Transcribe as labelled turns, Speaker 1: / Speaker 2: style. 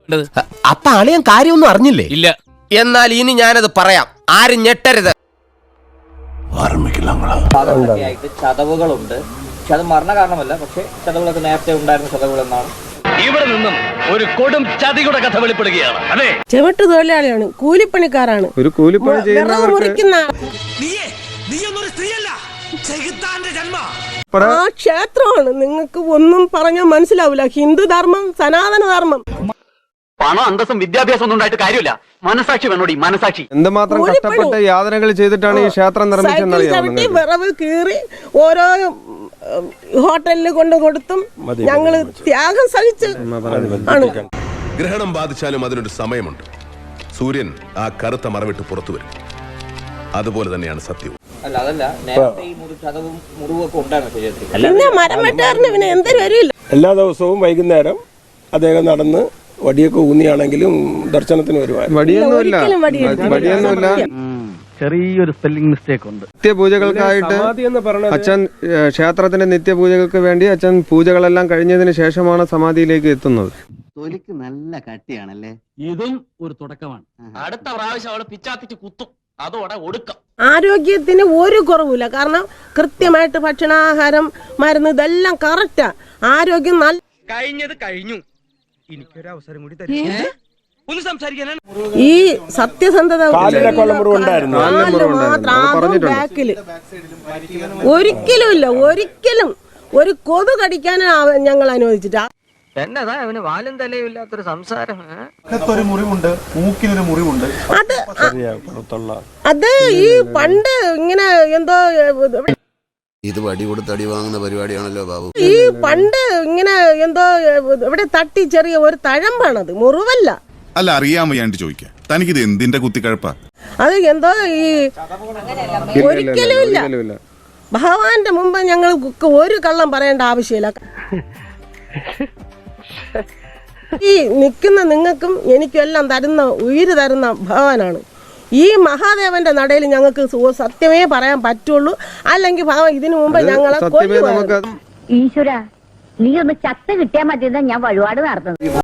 Speaker 1: അപ്പൊ അളിയൻ കാര്യമൊന്നും അറിഞ്ഞില്ലേ?
Speaker 2: ഇല്ല.
Speaker 1: എന്നാൽ ഇനി ഞാനത് പറയാം, ആരും ഞെട്ടരുത്.
Speaker 3: ചതവുകളുണ്ട്, പക്ഷെ അത് മരണ കാരണമല്ല. പക്ഷെ ചതവുകളൊക്കെ നേരത്തെ ഉണ്ടായിരുന്ന ചതവുകൾ എന്നാണ്.
Speaker 2: ഇവിടെ നിന്നും ഒരു കൊടും ചതിയുടെ കഥ വെളിപ്പെടുകയാണ്. അതെ,
Speaker 4: ചെവിട്ട് തൊഴിലാളിയാണ്, കൂലിപ്പണിക്കാരാണ്.
Speaker 5: ഒരു കൂലിപ്പണി
Speaker 4: മുറിക്കുന്ന ആ ക്ഷേത്രമാണ്. നിങ്ങൾക്ക് ഒന്നും പറഞ്ഞാൽ മനസ്സിലാവില്ല. ഹിന്ദു ധർമ്മം, സനാതന ധർമ്മം.
Speaker 6: പണം, അന്തസ്സും വിദ്യാഭ്യാസം ഒന്നും ഉണ്ടായിട്ട് കാര്യമില്ല. മനസാക്ഷി വേണോടി, മനസാക്ഷി.
Speaker 5: എന്തുമാത്രം കഷ്ടപ്പെട്ട് യാതനകൾ ചെയ്തിട്ടാണ് ഈ ക്ഷേത്രം നിർമ്മിച്ചെന്നറിയാം.
Speaker 4: വിറവ് കീറി ഓരോ ഹോട്ടലിൽ കൊണ്ടു കൊടുത്തും ഞങ്ങള് ത്യാഗം സഹിച്ച് ആണ്.
Speaker 7: ഗ്രഹണം ബാധിച്ചാലും അതിനൊരു സമയമുണ്ട്. സൂര്യൻ ആ കറുത്ത മറവിട്ട് പുറത്തു വരും. അതുപോലെ തന്നെയാണ് സത്യവും.
Speaker 3: അല്ല, അതല്ല, നേരത്തെ ഈ ചതവും മുറിവൊക്കെ ഉണ്ടായിരുന്നു ശരീരത്തിൽ.
Speaker 4: പിന്നെ മരം വെട്ടാറിന് പിന്നെ എന്തൊരു വരില്ല.
Speaker 8: എല്ലാ ദിവസവും വൈകുന്നേരം അദ്ദേഹം നടന്ന് വടിയൊക്കെ ഊന്നിയാണെങ്കിലും ദർശനത്തിന് വരുമായിരുന്നു.
Speaker 5: വടിയൊന്നുമില്ല.
Speaker 6: ചെറിയൊരു സ്പെല്ലിംഗ് മിസ്റ്റേക്ക് ഉണ്ട്.
Speaker 5: നിത്യപൂജകൾക്കായിട്ട് അച്ഛൻ ക്ഷേത്രത്തിന്റെ നിത്യപൂജകൾക്ക് വേണ്ടി അച്ഛൻ പൂജകളെല്ലാം കഴിഞ്ഞതിന് ശേഷമാണ് സമാധിയിലേക്ക് എത്തുന്നത്.
Speaker 6: തൊലിക്ക് നല്ല കട്ടിയാണല്ലേ.
Speaker 2: ഇതും ഒരു തുടക്കമാണ്. അടുത്ത പ്രാവശ്യം അവളെ പിച്ചാത്തിച്ച് കുത്തും, അതോടെ ഒടുക്കം.
Speaker 4: ആരോഗ്യത്തിന് ഒരു കുറവില്ല. കാരണം കൃത്യമായിട്ട് ഭക്ഷണാഹാരം, മരുന്ന് ഇതെല്ലാം കറക്റ്റാ. ആരോഗ്യം നല്ല.
Speaker 2: കഴിഞ്ഞത് കഴിഞ്ഞു. എനിക്കൊരു അവസരം കൂടി തരും. ഒന്ന് സംസാരിക്കാനാണ്.
Speaker 4: ഈ സത്യസന്ധത ബാക്കില് ഒരിക്കലും ഇല്ല. ഒരിക്കലും ഒരു കൊതു കടിക്കാൻ ഞങ്ങൾ അനുവദിച്ചിട്ടാ.
Speaker 6: എന്നതാ അവന് വാലും തലയും ഇല്ലാത്തൊരു സംസാരം.
Speaker 8: മുറിവുണ്ട്, മൂക്കിനൊരു മുറിവുണ്ട്.
Speaker 4: അത് ഈ പണ്ട് ഇങ്ങനെ എന്തോ
Speaker 7: ഇത് വടി കൊടുത്ത് അടി വാങ്ങുന്ന പരിപാടിയാണല്ലോ ബാബു.
Speaker 4: ഈ പണ്ട് ഇങ്ങനെ എന്തോ ഇവിടെ തട്ടി ചെറിയ ഒരു തഴമ്പാണത്, മുറിവല്ല.
Speaker 7: അല്ല, അറിയാൻ വയ്യാണ്ട് ചോദിക്കാം, തനിക്കിത് എന്തിന്റെ കുത്തിക്കഴപ്പാ?
Speaker 4: അത് എന്തോ ഈ ഒരിക്കലും ഇല്ല. ഭഗവാന്റെ മുമ്പ് ഞങ്ങൾ ഒരു കള്ളം പറയേണ്ട ആവശ്യമില്ല. ഈ നിൽക്കുന്ന നിങ്ങൾക്കും എനിക്കും എല്ലാം തരുന്ന, ഉയിര് തരുന്ന ഭഗവാനാണ്. ഈ മഹാദേവന്റെ നടയിൽ ഞങ്ങൾക്ക് സത്യമേ പറയാൻ പറ്റുള്ളൂ. അല്ലെങ്കിൽ ഭഗവാൻ ഇതിനു മുമ്പ് ഞങ്ങളെ കൊല്ലുവായിരുന്നു.
Speaker 9: ഈശ്വര, നീ ഒന്ന് ചത്ത കിട്ടിയാൽ മതിയെന്നാ ഞാൻ വഴിപാട് നടത്തുന്നത്.